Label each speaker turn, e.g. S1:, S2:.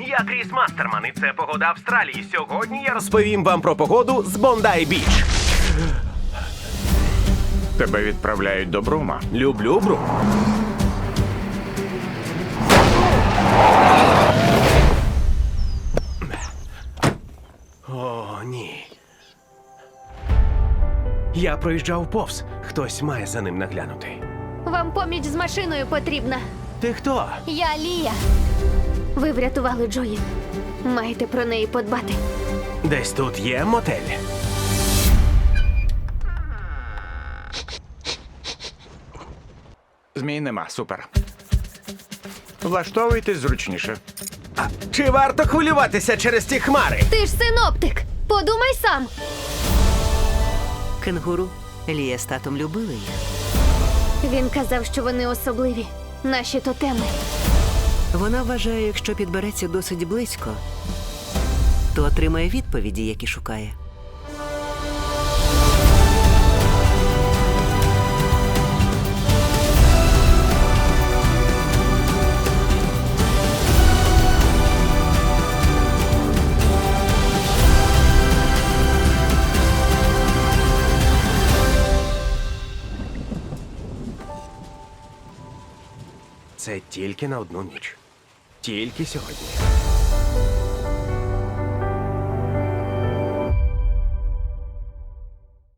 S1: Я Кріс Мастерман, і це погода Австралії. Сьогодні я розповім вам про погоду з Бондай-Біч.
S2: Тебе відправляють до Брума.
S1: Люблю Брум. О, ні. Я проїжджав повз. Хтось має за ним наглянути.
S3: Вам поміч з машиною потрібна.
S1: Ти хто?
S3: Я Лія. Ви врятували Джої. Маєте про неї подбати.
S1: Десь тут є мотель.
S2: Змій нема, супер. Влаштовуйтесь зручніше.
S1: Чи варто хвилюватися через ті хмари?
S3: Ти ж синоптик. Подумай сам.
S4: Кенгуру. Лія з татом любили їх.
S3: Він казав, що вони особливі. Наші тотеми.
S4: Вона вважає, якщо підбереться досить близько, то отримає відповіді, які шукає.
S1: Це тільки на одну ніч. Тільки сьогодні.